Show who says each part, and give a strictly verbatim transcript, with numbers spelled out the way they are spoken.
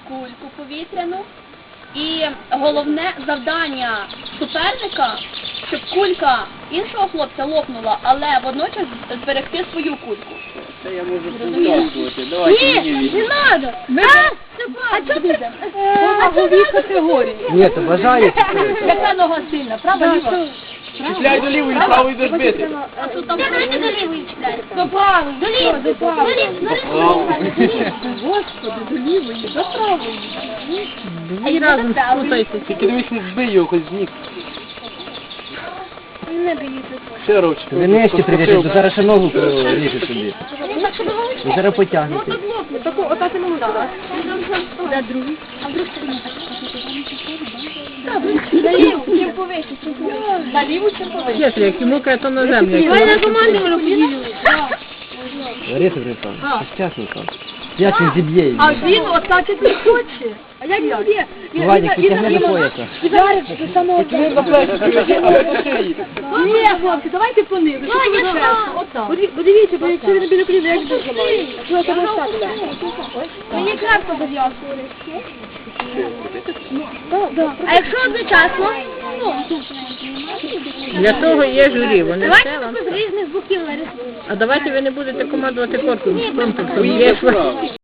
Speaker 1: кульку повітряну. І головне завдання суперника, щоб кулька іншого хлопця лопнула, але водночас зберегти свою кульку.
Speaker 2: Це я можу повтовкувати. Давайте мені
Speaker 1: Ні,
Speaker 2: візьміть.
Speaker 1: не треба! А чого ти?
Speaker 3: Вагові категорії.
Speaker 4: Ні, то бажає.
Speaker 3: Яка нога сильна? Права, ліва?
Speaker 2: Чіпляй до лівої, правої до збити.
Speaker 1: А тут там давайте до лівої чіпляйте.
Speaker 3: До правої.
Speaker 1: До лівої, до лівої, до лівої.
Speaker 3: Господи, до лівої, до правої.
Speaker 1: А я разом спутайте.
Speaker 2: Тільки дивись, не збий його хоч з ніг.
Speaker 1: Не боїться.
Speaker 2: Ще ручки.
Speaker 4: Ви нижче прийдете, то зараз ще ногу поріже собі. Ви зараз потягнете.
Speaker 3: Таку, ота ти ногу дала.
Speaker 1: Де другий? А вдруг
Speaker 3: На ліву, чим повище. На ліву, чим повище.
Speaker 5: Если як йому каже, на землю.
Speaker 1: Давай на команду ми поділили.
Speaker 4: Лариса Григорівна, чесно там. Як він зіб'є її?
Speaker 3: А він отак і не хоче. А як він є?
Speaker 4: Владик, ти тягни до пояса.
Speaker 3: Зараз до самого
Speaker 2: Ви на плечі приведіть, а ви по шиї.
Speaker 3: Ні, хлопці, давайте понизу. Подивіться, бо якщо він біля коліна, як буде зламає? Що це розставили?
Speaker 1: Мені крапку зав'язку. А якщо одночасно?
Speaker 5: Для того є журі, вони все
Speaker 1: Давайте
Speaker 5: вам.
Speaker 1: з різних боків нарисуємо.
Speaker 5: А давайте ви не будете командувати корпусом.
Speaker 2: Поїде вправо.